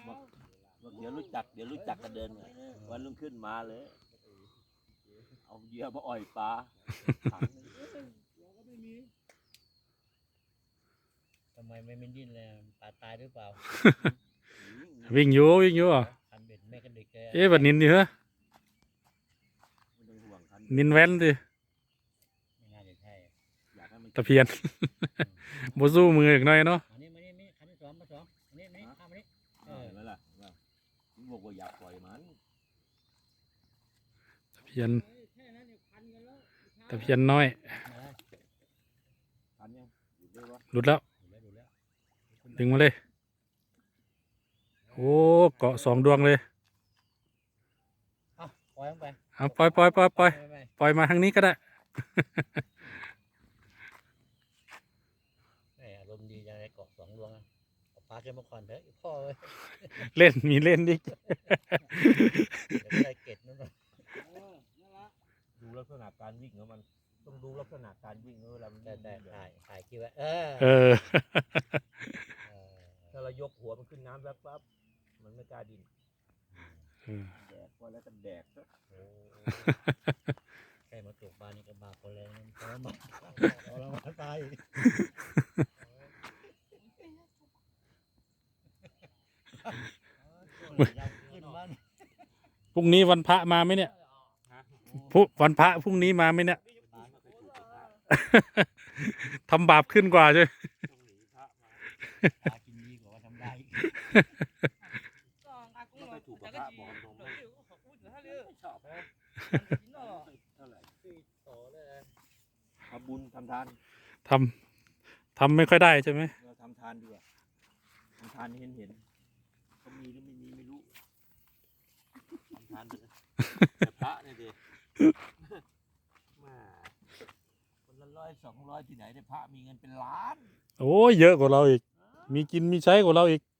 บอกเดี๋ยวรู้จักกันเดินวันรุ่งขึ้นมาเลยเอาเหยื่อมาอ่อยปลาทำไมไม่ดิ้นเลยปลาตายหรือเปล่าวิ่งอยู่อ่ะคันเบ็ดแม่กันเด็กแกบัดนินดิเหรอนินแว้นดิไม่น่าจะใช่ตะเพียน โบสู้มืออีกหน่อยเนาะอันนี้มาคันที่สองอันนี้ข้ามอันนี้เห็นไหมล่ะบอกว่าอยากปล่อยมันตะเพียนน้อยทันยังอยู่ด้วยวะหลุดแล้วดึงมาเลยโอ้เกาะ2 ดวงเลยปล่อยลงไปเอาปล่อยมาทางนี้ก็ได้อารมณ์ดีจังเลยเกาะ2 ดวงปลาขึ้นมาก่อนเถอะพ่อเลยมีเล่นดิเดี๋ยวไม่ได้เก็ดนั่นหรอกดูลักษณะการวิ่งของมันต้องดูลักษณะการวิ่งเวลามันแต่ถ่ายคลิปไว้ถ้าเรายกหัวมันขึ้นน้ำแป๊บมันไม่กล้าดิ้นแดกพอแล้วก็แดกซะใครมาตกปลานี่ก็บาปคนแรงทรมานตายพรุ่งนี้วันพระมาไหมเนี่ยวันพระพรุ่งนี้มาไหมเนี่ย ทำบาปขึ้นกว่าใช่ไหมปลากินดีกว่าทำได้ไม่ค่อยถูกกับพระบอกตรงไม่ชอบเท่าไหร่ทำบุญทำทานทำไม่ค่อยได้ใช่ไหมเราทำทานดีกว่าทำทานเห็นเขามีหรือไม่มีไม่รู้ทำทานไปเลยแต่พระเนี่ยดิมาคนละ100 200ที่ไหนเนี่ยพระมีเงินเป็นล้านโอ้ยเยอะกว่าเราอีก มีกินมีใช้กว่าเราอีก